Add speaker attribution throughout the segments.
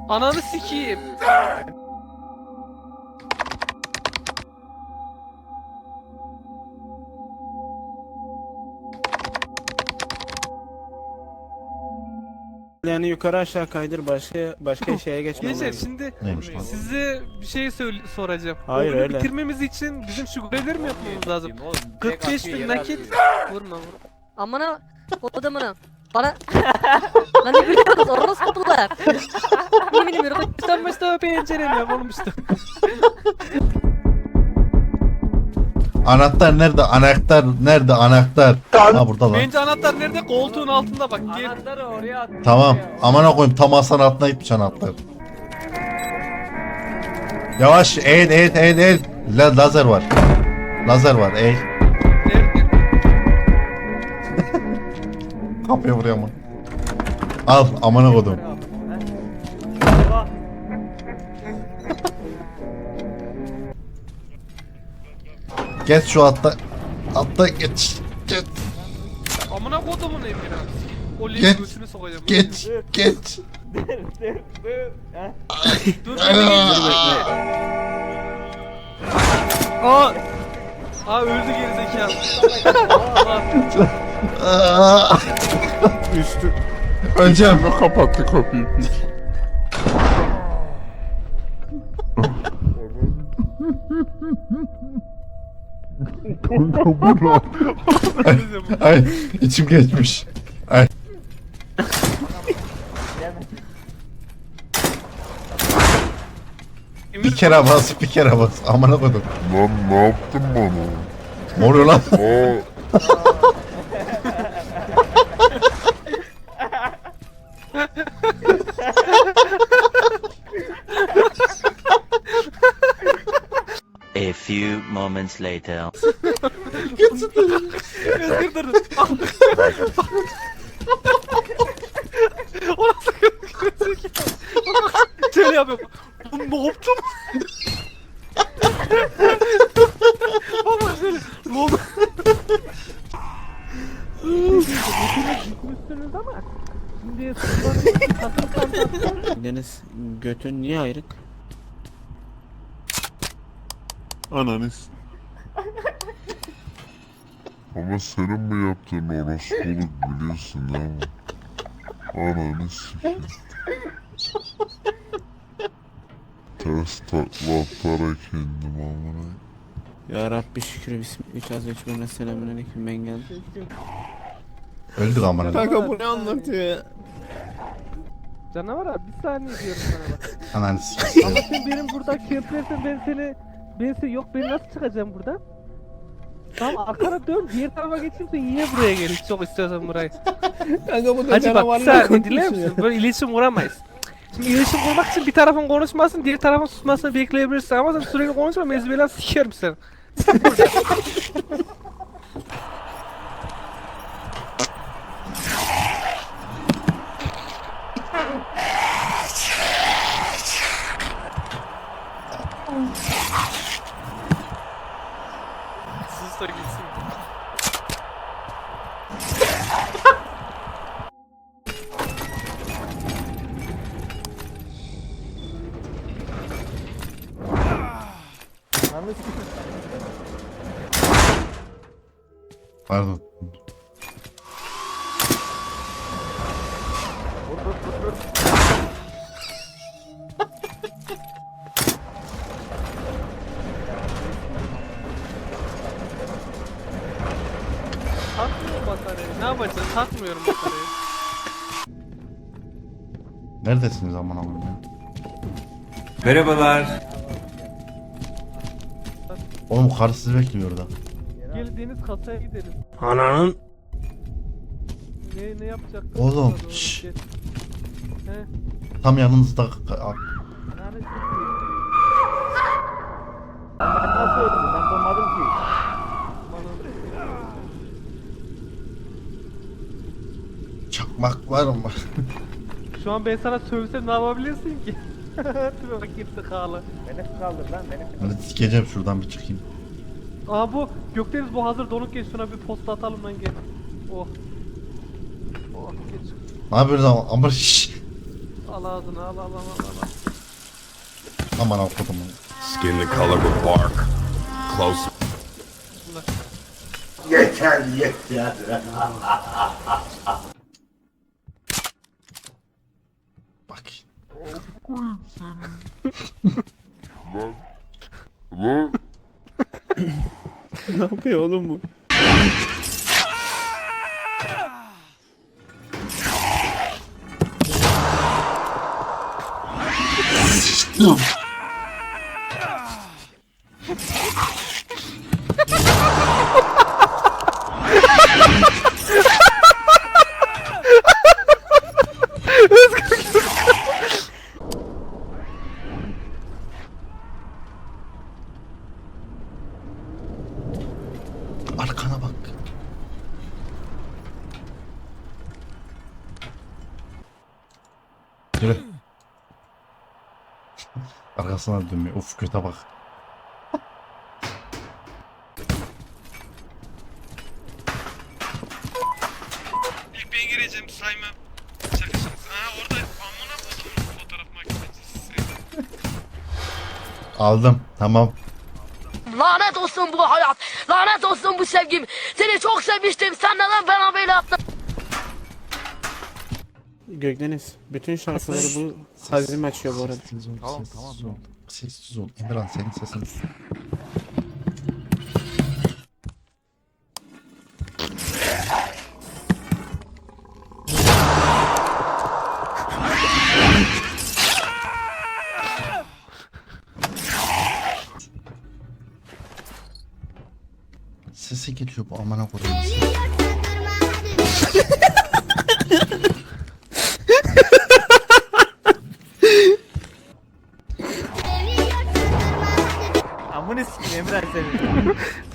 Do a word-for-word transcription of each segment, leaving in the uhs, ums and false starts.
Speaker 1: Ananı sikeyim.
Speaker 2: Yani yukarı aşağı kaydır, başka başka şeye geçmem
Speaker 1: Gençler
Speaker 2: lazım.
Speaker 1: şimdi
Speaker 3: Neymiş lan?
Speaker 1: size bir şey söyle soracağım.
Speaker 2: Hayır,
Speaker 1: Oyunu
Speaker 2: öyle.
Speaker 1: bitirmemiz için bizim şu görevleri mi yapmamız lazım? kırk beş bin nakit. Vurma vurma.
Speaker 4: Amına odamına. Bana lan ne gülüyorsunuz orospular. Yemin ediyorum.
Speaker 1: Sen Mustafa pencereni yap oğlum işte.
Speaker 3: Anahtar nerede? Anahtar nerede? Anahtar. Ha burada lan.
Speaker 1: Bence anahtar nerede? Koltuğun altında bak. Gel.
Speaker 5: Anahtarı oraya at.
Speaker 3: Tamam. Amına koyayım tam masanın altına gitmiş anahtar. Yavaş eğil eğil eğil eğil. La, lazer var. Lazer var eğil.
Speaker 1: Nerede?
Speaker 3: Kapıya vuruyor ama. Al amına koydum. Geç şu altta. Altta geç. Geç.
Speaker 1: Amına kodumun Emir abi. O
Speaker 3: Geç.
Speaker 1: linki götünü sokacağım.
Speaker 3: Geç. Geç.
Speaker 5: Dur dur dur. Ha?
Speaker 1: Dur dur dur. Aa. Aa öldü gerizekalı.
Speaker 3: Aa!
Speaker 6: Üstü
Speaker 3: Öleceğim.
Speaker 6: kapattı kapıyı.
Speaker 3: Ay içim geçmiş. Ay. Bir kere bas, bir kere bas. Amına koydum.
Speaker 6: Lan ne yaptın bana?
Speaker 3: Ne oluyor lan?
Speaker 6: Aa,
Speaker 7: A few moments later.
Speaker 1: Dur dur dur. O nasıl gerizekalı? Şöyle yapıyorum. Oğlum ne yaptım? Baba şöyle. Ne oldu? Gitmişsiniz ama. Şimdi kasım kasım.
Speaker 2: Deniz götün niye ayrık?
Speaker 6: ananız. Ama senin mi yaptığın orospuluk biliyorsun değil mi? Ananı sikeyim. Ters takla atarak indim amına.
Speaker 2: Ya Rabbi şükür bismillah. Üç az üç birine selamünaleyküm ben geldim.
Speaker 3: Öldük amına.
Speaker 2: Kanka bu ne anlatıyor ya?
Speaker 1: Canavar abi bir saniye diyorum sana bak.
Speaker 3: Ananı sikeyim.
Speaker 1: Ama sen benim burada kemplersen ben seni ben seni yok ben nasıl çıkacağım buradan? Tamam arkana dön diğer tarafa geçeyim sen yine buraya gel hiç çok istiyorsan burayı.
Speaker 2: Kanka bu da
Speaker 1: Hacı bak bir
Speaker 2: canavarla
Speaker 1: saniye dinler
Speaker 2: konuşuyor.
Speaker 1: misin? Böyle iletişim kuramayız. Şimdi iletişim kurmak için bir tarafın konuşmasın diğer tarafın susmasını bekleyebilirsin ama sen sürekli konuşma mezbelen sikerim seni. Sus da gitsin.
Speaker 3: Pardon.
Speaker 1: Takmıyorum bataryayı. Ne yapacağız? Takmıyorum bataryayı.
Speaker 3: Neredesiniz amına koyayım ya?
Speaker 8: Merhabalar.
Speaker 3: Oğlum karı sizi bekliyor orada.
Speaker 1: Gel Deniz kasaya gidelim.
Speaker 2: Ananın.
Speaker 1: Ne ne yapacak?
Speaker 3: Oğlum,
Speaker 1: Gel.
Speaker 3: şşş.
Speaker 1: He.
Speaker 3: Tam yanınızda.
Speaker 1: Yani
Speaker 5: Ben nasıl öldüm? Ben durmadım ki.
Speaker 3: Çakmak var mı?
Speaker 1: şu an ben sana sövsem ne yapabilirsin ki? Dur bak gerizekalı.
Speaker 5: Beni kaldır lan beni.
Speaker 3: Hadi sikeceğim şuradan bir çıkayım.
Speaker 1: Aa bu Gökdeniz bu hazır donuk geç şuna bir posta atalım lan gel. Oh. Oh geç.
Speaker 3: Ne yapıyoruz ama? Ama şşş.
Speaker 1: Al ağzını al al al al al.
Speaker 3: Aman okudum.
Speaker 8: Skin the color of bark. Close.
Speaker 3: Yeter yeter. Bak.
Speaker 2: Ne yapıyor oğlum bu?
Speaker 3: Arkana bak. Yürü. Arkasına dönmüyor. Uf kötü bak.
Speaker 1: İlk ben gireceğim saymam. Şakasınız. Aa orada amına koydum fotoğraf makinesi.
Speaker 3: Aldım. Tamam.
Speaker 9: Lanet olsun bu hayat. Lanet olsun bu sevgim. Seni çok sevmiştim. Sen neden bana böyle yaptın?
Speaker 2: Gökdeniz, bütün şarkıları bu Hazim açıyor bu arada.
Speaker 3: Sessiz ol, sessiz ol. Sessiz ol. Emirhan senin sesin. Sesi geliyor bu amına koyayım.
Speaker 5: Amına sikeyim Emre seni.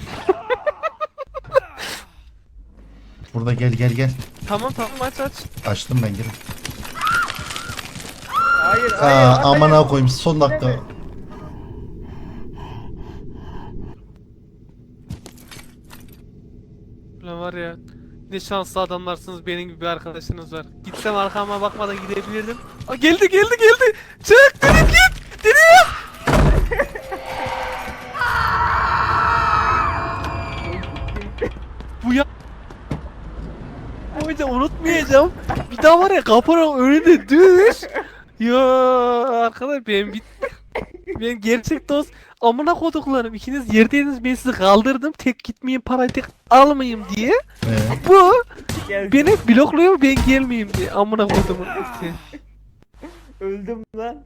Speaker 3: Burada gel gel gel.
Speaker 1: Tamam tamam aç aç.
Speaker 3: Açtım ben girin.
Speaker 5: Hayır hayır.
Speaker 3: Aa
Speaker 5: hayır.
Speaker 3: amına koyayım son dakika.
Speaker 1: Ulan var ya. Ne şanslı adamlarsınız, benim gibi bir arkadaşınız var. Gitsem arkama bakmadan gidebilirdim. Aa, geldi geldi geldi. Çık direkt git. Direkt. Bu ya. Boyunca unutmayacağım. Bir daha var ya kapının önünde düş. Ya arkadaş ben bit. Ben gerçek dost. Amına koduklarım. İkiniz yerdeydiniz, ben sizi kaldırdım. Tek gitmeyeyim, parayı tek almayayım diye.
Speaker 3: Ee,
Speaker 1: Bu
Speaker 5: Gel.
Speaker 1: beni blokluyor, ben gelmeyeyim diye. Amına kodumun.
Speaker 5: Öldüm lan.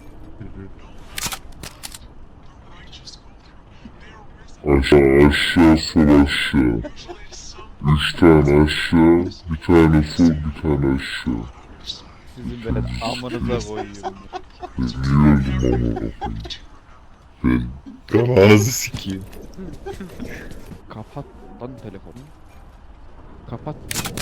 Speaker 6: Aşağı aşağı sol aşağı. Üç tane aşağı, bir tane sol, bir tane aşağı.
Speaker 5: Sizin ben amınıza koyuyorum.
Speaker 6: Ben niye öldüm amına koyayım? Ben
Speaker 8: Ananızı sikeyim.
Speaker 10: Kapat lan telefonu. Kapat.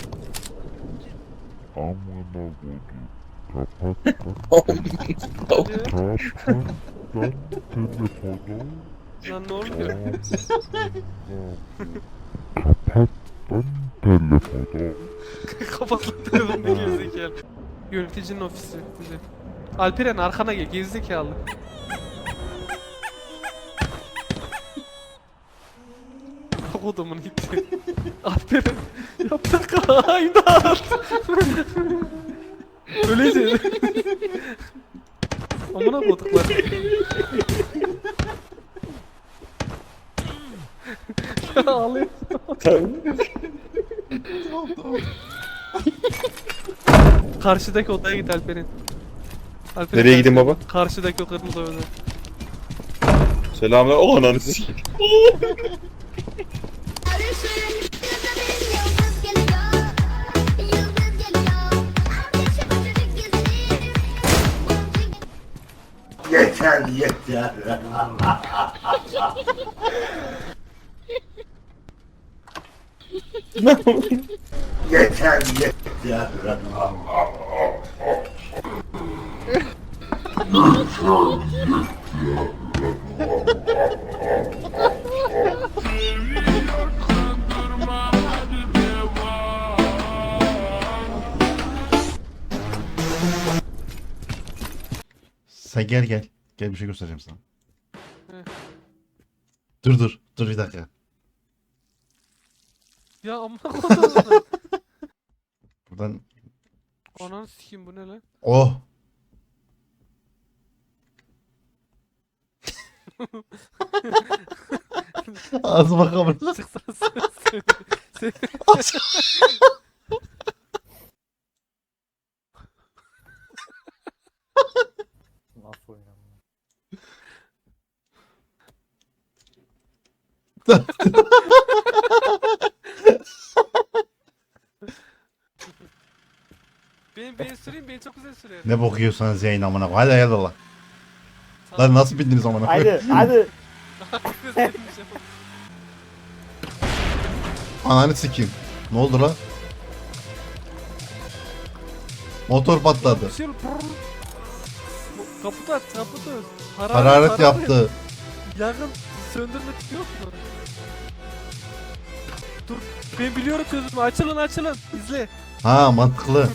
Speaker 6: amına koyayım. Kapat lan. Kapat lan telefonu.
Speaker 1: Lan ne oluyor?
Speaker 6: Kapat lan telefonu.
Speaker 1: Kapat lan telefonu, gerizekalı. Yöneticinin ofisi. Güzel. Alperen arkana gel, gerizekalı. Kodumun gitti. Alperen yaptık imdat. Öleceğiz. Amına koduklar. Ya ağlıyorsun. Karşıdaki odaya git Alperen. Alperen
Speaker 8: Nereye gideyim baba?
Speaker 1: Karşıdaki o kırmızı odaya.
Speaker 8: Selamlar. O ananı sikeyim.
Speaker 3: yeter yeter. yeter yeter. Sen gel gel. Gel bir şey göstereceğim sana.
Speaker 1: Hı.
Speaker 3: Dur dur. Dur bir dakika.
Speaker 1: Ya amına kodum.
Speaker 3: Buradan.
Speaker 1: Ananı sikeyim bu ne lan?
Speaker 3: Oh. Ağzıma kamerası.
Speaker 1: Çıksana söyle. Söyle.
Speaker 5: Nasıl oynanıyor?
Speaker 1: Ben ben süreyim, ben çok güzel sürerim.
Speaker 3: Ne bokuyorsan Zeyn amına. Hadi hadi Allah. Lan nasıl bindiniz amına?
Speaker 5: Hadi hadi.
Speaker 3: Ananı sikeyim. Ne oldu lan? Motor patladı.
Speaker 1: Bir şey olur, brrr. Bu- Kaput aç, kaput aç. Hararet,
Speaker 3: Hararet yaptı.
Speaker 1: Yakın söndürmek yok mu? Dur, ben biliyorum çözümü. Açılın, açılın. İzle.
Speaker 3: Ha mantıklı.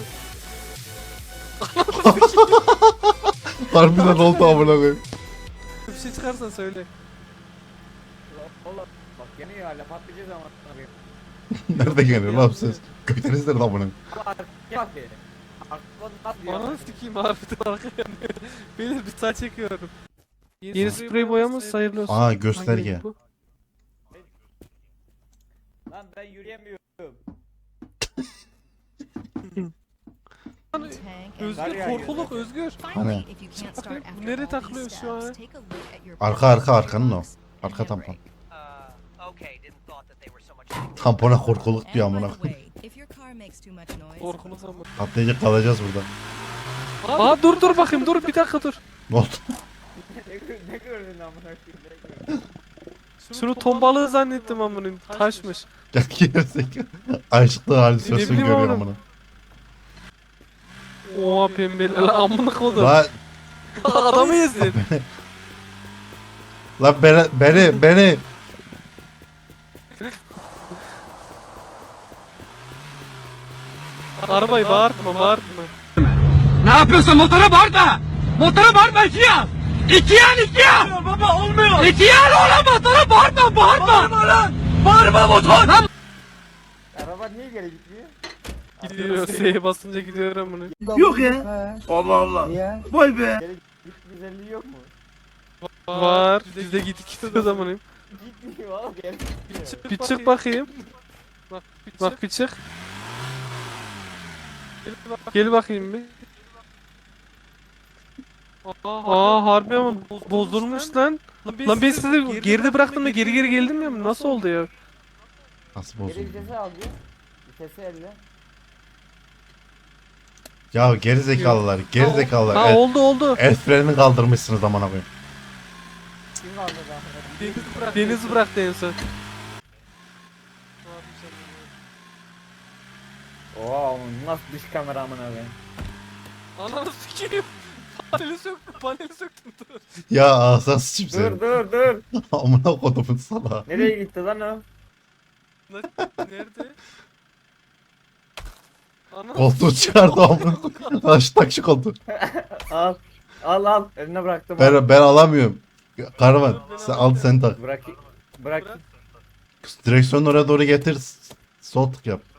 Speaker 3: Harbiden oldu amına koyayım.
Speaker 1: Bir şey çıkarsan söyle.
Speaker 5: Oğlum bak yanıyor hala patlayacağız ama.
Speaker 3: Nerede geliyor lan ses? Gökdeniz nerede amına?
Speaker 5: Bak bak be. Aklın nasıl diyor?
Speaker 1: Ananı sikeyim harbiden arkaya yanıyor. Beni bir saç çekiyorum. Yeni sprey boyamız hayırlı olsun.
Speaker 3: Aa gösterge.
Speaker 1: Hangi bu?
Speaker 5: Lan ben yürüyemiyorum.
Speaker 1: Özgür korkuluk Özgür.
Speaker 3: Hani?
Speaker 1: Bakayım, bu nereye takılıyor şu an?
Speaker 3: Arka arka arkanın o. Arka tampon. Tampona korkuluk diyor amına koyayım.
Speaker 1: Korkuluk ama.
Speaker 3: Patlayacak kalacağız burada.
Speaker 1: Aa dur dur bakayım dur bir dakika dur.
Speaker 3: Ne oldu?
Speaker 5: ne, ne gördün amına koyayım? Ne gördün?
Speaker 1: Şunu ton balığı zannettim amına. Taşmış.
Speaker 3: Gel gerizek. Açlıklı halüsinasyon
Speaker 1: bileyim
Speaker 3: görüyor
Speaker 1: oğlum.
Speaker 3: amına.
Speaker 1: Oha pembeli lan amına kodum.
Speaker 3: Lan
Speaker 1: Adamı ezdin.
Speaker 3: lan beni beni beni.
Speaker 1: Arabayı bağırtma bağırtma.
Speaker 8: Ne yapıyorsun motora bağırma! Motora bağırma iki yan! İki yan iki yan! Baba olmuyor! İki yan oğlum motora bağırma bağırma! Bağırma lan! Bağırma motor! Lan!
Speaker 5: Araba niye geri gitmiyor?
Speaker 1: Gidiyor S'ye basınca gidiyor amına.
Speaker 8: Yok ya! Allah Allah!
Speaker 5: Niye?
Speaker 8: Vay be!
Speaker 5: Git güzelliği yok mu?
Speaker 1: Var. Biz de gittik gidiyoruz amına.
Speaker 5: Gitmiyor oğlum geri gitmiyor.
Speaker 1: Bir çık bakayım. Bak bir çık. Bak bir çık. Gel bakayım bir. Aa harbi ama bozulmuş lan. Lan ben sizi geride bıraktım da geri geri geldim ya. Nasıl oldu ya?
Speaker 3: Nasıl
Speaker 5: Geri
Speaker 3: bozuldu?
Speaker 5: vitesi al diyor. Vitesi elle.
Speaker 3: Ya geri zekalılar, geri zekalılar.
Speaker 1: Ha
Speaker 3: El,
Speaker 1: oldu oldu.
Speaker 3: el frenini kaldırmışsınız amına koyayım.
Speaker 5: Kim aldı daha?
Speaker 1: Deniz bıraktı. Deniz bıraktı en son.
Speaker 5: Oo nasıl dış kamera amına koyayım?
Speaker 1: Ananı sikeyim. Paneli söktüm, paneli söktüm dur.
Speaker 3: Ya ağzına sıçayım
Speaker 5: Dur
Speaker 3: seni.
Speaker 5: dur dur.
Speaker 3: Amına kodumun sana.
Speaker 5: Nereye gitti lan o?
Speaker 1: Nerede? Ananı
Speaker 3: Koltuğu çıkardı amına koyayım. Lan şu tak şu koltuğu.
Speaker 5: Al. Al al. Eline bıraktım. al.
Speaker 3: Ben, ben alamıyorum. Karavan sen al sen tak.
Speaker 5: Bırak. Bırak.
Speaker 3: Direksiyonu oraya doğru getir. s- Sol tık yap.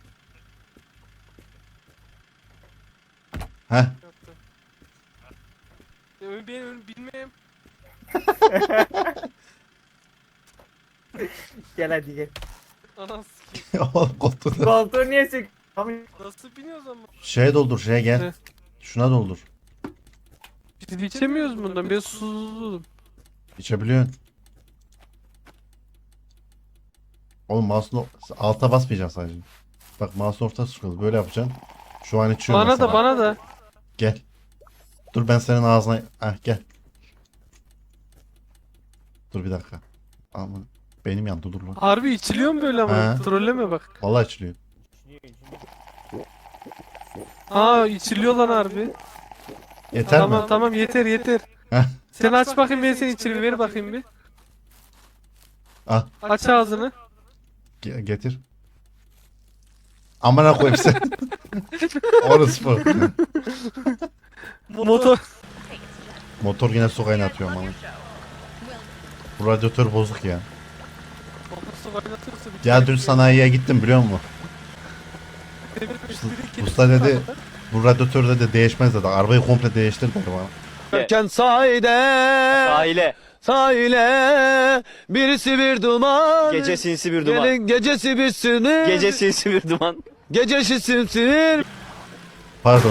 Speaker 3: Heh.
Speaker 1: yaptım. Ya ben ön bilmem.
Speaker 5: Gel hadi gel.
Speaker 1: Ananı sikeyim.
Speaker 3: Oğlum koltuğu.
Speaker 5: Koltuğu niye sük?
Speaker 1: Nasıl biniyoruz ama?
Speaker 3: Şeye doldur şeye gel.
Speaker 1: Ne?
Speaker 3: Şuna doldur.
Speaker 1: Biz içemiyoruz bundan. Ben susuzum.
Speaker 3: İçebiliyorsun. Oğlum mouse'un alta basmayacaksın sadece. Bak mouse'un ortası sıkıldı. Böyle yapacaksın. Şu an içiyorum
Speaker 1: Bana
Speaker 3: mesela.
Speaker 1: da bana da.
Speaker 3: Gel. Dur ben senin ağzına... Heh gel. Dur bir dakika. Aman. Benim yandı dur lan.
Speaker 1: Harbi içiliyor mu böyle ama?
Speaker 3: He.
Speaker 1: Trolleme bak.
Speaker 3: Vallahi içiliyor.
Speaker 1: Ha içiliyor lan harbi.
Speaker 3: Yeter
Speaker 1: Tamam
Speaker 3: mi?
Speaker 1: tamam yeter yeter.
Speaker 3: Heh.
Speaker 1: Sen aç bakayım ben seni içireyim. Ver bakayım bir.
Speaker 3: Al.
Speaker 1: Aç ağzını.
Speaker 3: Ge- getir. Amına koyayım sen. Orası bu.
Speaker 1: Motor.
Speaker 3: Motor yine su kaynatıyor ama. Bu radyatör bozuk ya.
Speaker 1: Motor kaynatırsa bir
Speaker 3: Ya
Speaker 1: kere
Speaker 3: dün
Speaker 1: bir-
Speaker 3: sanayiye gittim biliyor musun?
Speaker 1: demir bir- bir-
Speaker 3: Usta dedi bu radyatör dedi değişmez dedi. Arabayı komple değiştir dedi bana.
Speaker 8: Erken sahile. Sahile. Sahile. Birisi bir duman. Gece sinsi bir duman. Gelin gecesi bir sinir. Gece sinsi bir duman. Gecesi sinir.
Speaker 3: Pardon.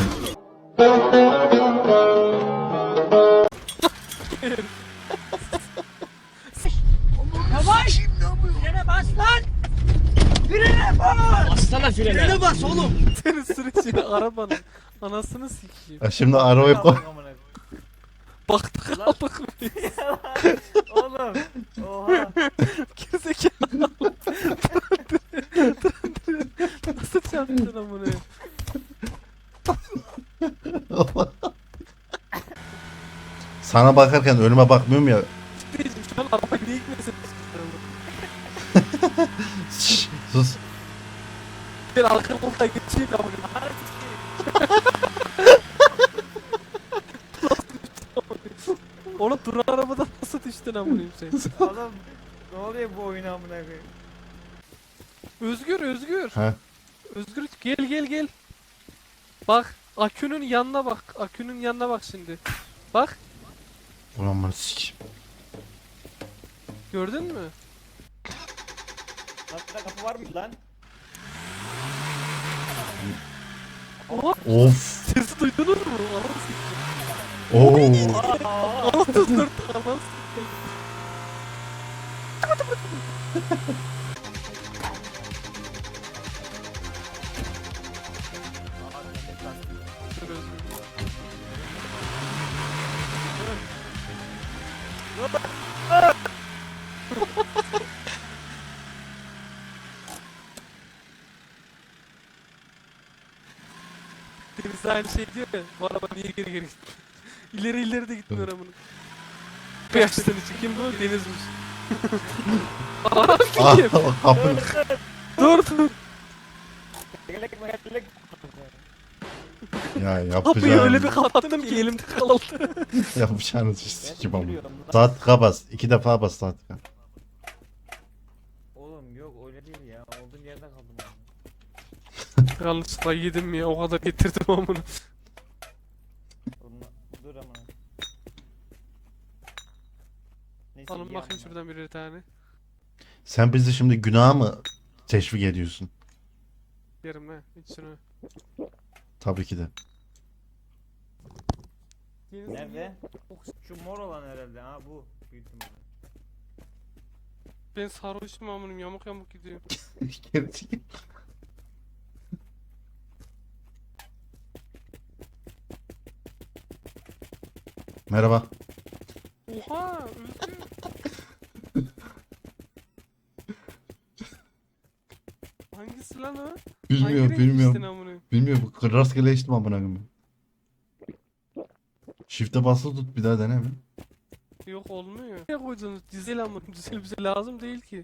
Speaker 1: Senin sürücüyle arabanın anasını sikeyim.
Speaker 3: Ya şimdi arabayı koy.
Speaker 1: Baktık aldık biz.
Speaker 5: Oğlum. Oha.
Speaker 1: Gerizekalı. Nasıl çarptın amına?
Speaker 3: Sana bakarken önüme bakmıyorum ya.
Speaker 1: Diyeceğim şu an arabayı niye gitmesin?
Speaker 3: Şşş, sus.
Speaker 1: Ben arka koltuğa geçeyim amına. Oğlum duran arabadan nasıl düştün amına sen?
Speaker 5: Oğlum. Ne oluyor bu oyuna amına koyayım?
Speaker 1: Özgür Özgür.
Speaker 3: Ha.
Speaker 1: Özgür gel gel gel. Bak akünün yanına bak. Akünün yanına bak şimdi. Bak
Speaker 3: Ulan bana sik.
Speaker 1: gördün mü?
Speaker 5: Hatta kapı var mı lan?
Speaker 1: Oha
Speaker 3: Of.
Speaker 1: sesi duydunuz mu? Anasını sikeyim.
Speaker 3: Oo.
Speaker 1: Anasını dört anasını sikeyim. Dur Özgür. Deniz aynı şey diyor ya, bu araba niye geri geri gitti? İleri ileri de gitmiyor amına. Bu yaştan için kim bu? Denizmiş. Aa
Speaker 3: Ah,
Speaker 1: kim?
Speaker 3: kapı.
Speaker 1: Dur dur.
Speaker 5: Gelek gelek.
Speaker 3: Ya
Speaker 1: Kapıyı öyle bir
Speaker 3: yapacağım.
Speaker 1: kapattım ki elimde kaldı.
Speaker 3: Yapacağınız iş sikim ama. Saat kabas. İki defa bas saat.
Speaker 5: Oğlum yok öyle değil ya. Olduğum yerde kaldım ben.
Speaker 1: Yanlışlıkla yedim ya o kadar getirdim amına.
Speaker 5: Oğlum, dur amına. Neyse,
Speaker 1: Alın
Speaker 5: iyi
Speaker 1: bakayım
Speaker 5: amına.
Speaker 1: şuradan birer tane.
Speaker 3: Sen bizi şimdi günaha mı teşvik ediyorsun?
Speaker 1: Yerim ha iç şunu.
Speaker 3: Tabii ki de.
Speaker 5: Nerede? Şu mor olan herhalde ha bu. Büyük ihtimalle.
Speaker 1: Ben sarhoşum amınım yamuk yamuk gidiyor.
Speaker 3: Merhaba.
Speaker 1: Oha Özgür. Hangisi lan o?
Speaker 3: Bilmiyorum,
Speaker 1: Hangi renk içtin
Speaker 3: bilmiyorum.
Speaker 1: amına?
Speaker 3: Bilmiyorum. Rastgele içtim amına koyayım. Shift'e basılı tut bir daha dene mi?
Speaker 1: Yok olmuyor. Ne koydunuz? Dizel amına. Dizel bize lazım değil ki.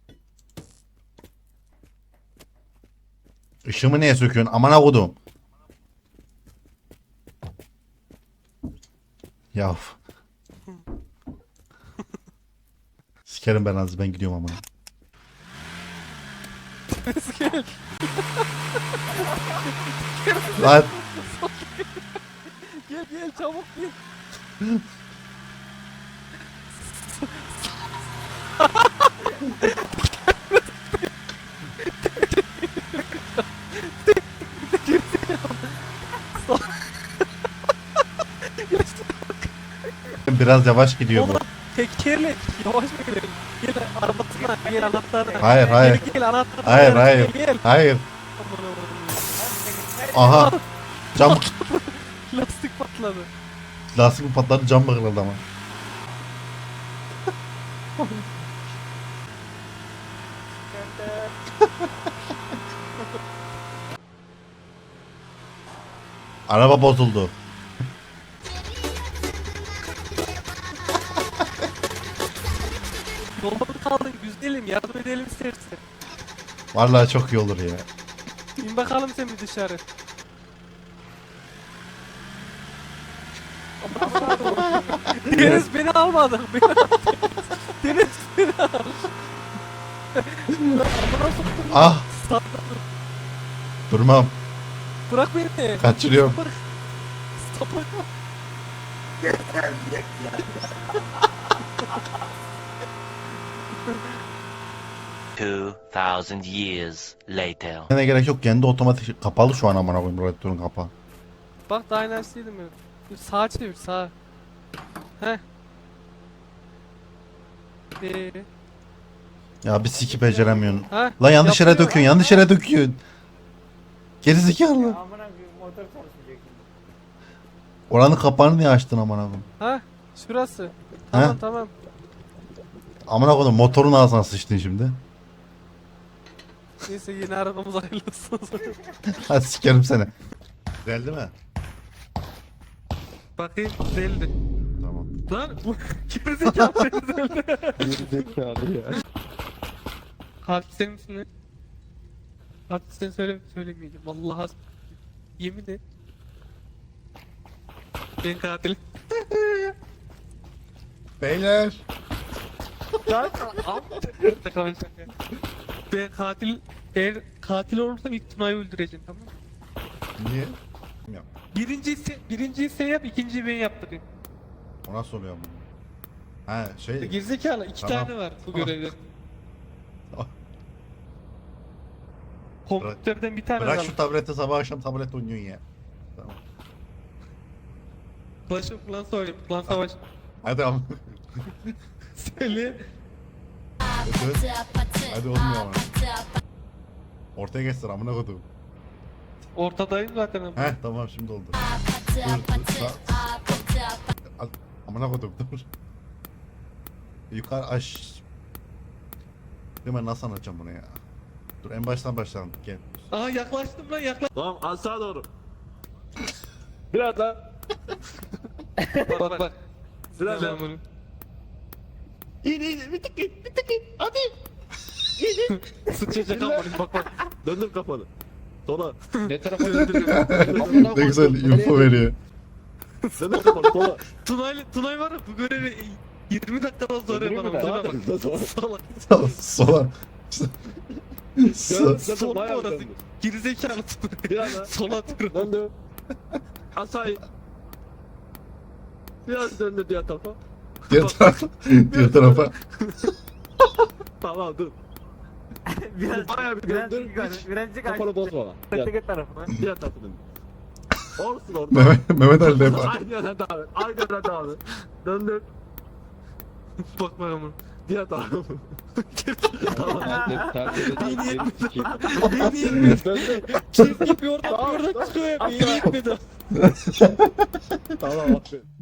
Speaker 3: Işığımı niye söküyorsun? Amına kodum. Ya. Sikerim ben az ben gidiyorum amına.
Speaker 1: Gel.
Speaker 3: Lan
Speaker 1: Gel gel çabuk gel.
Speaker 3: biraz yavaş gidiyor bu.
Speaker 1: Oğlum tekerle yavaş mı gidelim? Gel arabasına gel anahtarı.
Speaker 3: Hayır, hayır.
Speaker 1: Gel, gel anahtarı.
Speaker 3: Hayır,
Speaker 1: gel,
Speaker 3: hayır.
Speaker 1: Gel, gel.
Speaker 3: Hayır.
Speaker 1: Aman Allah'ım.
Speaker 3: Aha. Cam
Speaker 1: Lastik patladı.
Speaker 3: lastik mi patladı cam bakıldı ama. Araba bozuldu.
Speaker 1: Yolda mı kaldın güzelim yardım edelim istersen.
Speaker 3: Vallahi çok iyi olur ya.
Speaker 1: İn bakalım sen bir dışarı. Aman Deniz beni almadı. Beni almadı. Deniz beni almadı.
Speaker 3: Ah! Durmam.
Speaker 1: Bırak beni.
Speaker 3: Kaçırıyorum.
Speaker 1: Bırak. Sapık.
Speaker 7: Two thousand years later.
Speaker 3: Ne gerek yok. Kendi otomatik kapalı şu an amına koyayım radyatörün kapağı.
Speaker 1: Bak daha enerjisiydim ben. Bir sağa çevir sağa. Heh. Ee,
Speaker 3: Ya bir siki beceremiyorsun.
Speaker 1: ha?
Speaker 3: Lan yanlış yere
Speaker 1: Yapıyor.
Speaker 3: döküyorsun. Yanlış yere döküyorsun. Gerizekalı.
Speaker 5: Amına koyayım motor çalışmayacak şimdi.
Speaker 3: Oranın kapağını niye açtın amına koyayım?
Speaker 1: Ha? Şurası. Tamam
Speaker 3: Ha?
Speaker 1: tamam.
Speaker 3: Amına koydum motorun ağzına sıçtın şimdi.
Speaker 1: Neyse yeni arabamız hayırlı olsun.
Speaker 3: Hadi sikerim seni. Güzel değil mi?
Speaker 1: Bakayım güzeldi.
Speaker 3: Tamam.
Speaker 1: Lan bu gerizekalı güzeldi.
Speaker 10: Gerizekalı ya.
Speaker 1: Katil senin misin lan? Katil sen söyle söylemeyeceğim. Vallahi yemin et. Ben katilim.
Speaker 3: Beyler.
Speaker 1: Ben katil eğer katil olursam ilk Tuna'yı öldüreceğim tamam mı?
Speaker 3: Niye?
Speaker 1: Birinciyi sen, birinciyi sen yap, ikinciyi ben yaptırayım.
Speaker 3: O nasıl oluyor bu? Ha şey.
Speaker 1: Gerizekalı iki
Speaker 3: Tamam.
Speaker 1: tane var bu
Speaker 3: Tamam.
Speaker 1: görevde.
Speaker 3: Tamam.
Speaker 1: Kompütörden bir tane
Speaker 3: Bırak
Speaker 1: var.
Speaker 3: şu tableti sabah akşam tablet oynuyorsun ya. Tamam.
Speaker 1: Başım plan söyleyeyim, plan savaş.
Speaker 3: Hadi ama.
Speaker 1: Söyle.
Speaker 3: Hadi. Hadi olmuyor ama. Ortaya geçsin amına koydum.
Speaker 1: Ortadayım zaten ama.
Speaker 3: Heh tamam şimdi oldu. Dur dur. Sağ. Al, amına koydum dur. Yukarı aş. Değil mi nasıl anlatacağım bunu ya? Dur en baştan başlayalım gel.
Speaker 1: Aa yaklaştım lan yaklaş.
Speaker 8: Tamam aşağı doğru. Biraz daha.
Speaker 1: Bak bak.
Speaker 8: Biraz daha.
Speaker 1: Ben bunu.
Speaker 8: İn in bir tık in bir tık in. Hadi.
Speaker 1: Sıçacak ama bak bak.
Speaker 8: Döndür kafanı. Sola.
Speaker 10: Ne tarafa döndürüyorum?
Speaker 3: Ne güzel info veriyor.
Speaker 8: Döndür kafanı sola.
Speaker 1: Tunay, Tunay var ya bu görevi yirmi dakikadan sonra
Speaker 10: Öldürüyor mu
Speaker 1: yapalım.
Speaker 10: ben?
Speaker 1: Şuna bak. Salak.
Speaker 3: Sola. Sola.
Speaker 1: Sol
Speaker 8: Bayağı
Speaker 1: orası.
Speaker 8: döndür.
Speaker 1: Gerizekalı Tunay.
Speaker 8: Biraz daha.
Speaker 1: Sola dur.
Speaker 8: Döndür. Aşağı in. Biraz döndür diğer tarafa.
Speaker 3: Diğer tarafa. Diğer tarafa.
Speaker 8: Tamam dur.
Speaker 5: Biraz
Speaker 8: Bayağı bir
Speaker 5: biraz
Speaker 8: döndür.
Speaker 5: yukarı,
Speaker 8: Hiç
Speaker 5: birazcık
Speaker 8: kafanı bozma. Diğer,
Speaker 5: Öteki tarafına.
Speaker 8: diğer tarafa döndür. Olsun orada.
Speaker 3: Mehmet, Mehmet Ali de yapar.
Speaker 8: Aynı yerden devam et. Aynı yerden devam et. Döndür.
Speaker 1: Bak bak ama.
Speaker 8: Diğer tarafa. Tamam.
Speaker 1: Beni yetmedi. Beni yetmedi.
Speaker 8: Döndür.
Speaker 1: Çizgi bir oradan bir oradan çıkıyor ya. Beni yetmedi.
Speaker 8: Tamam aferin.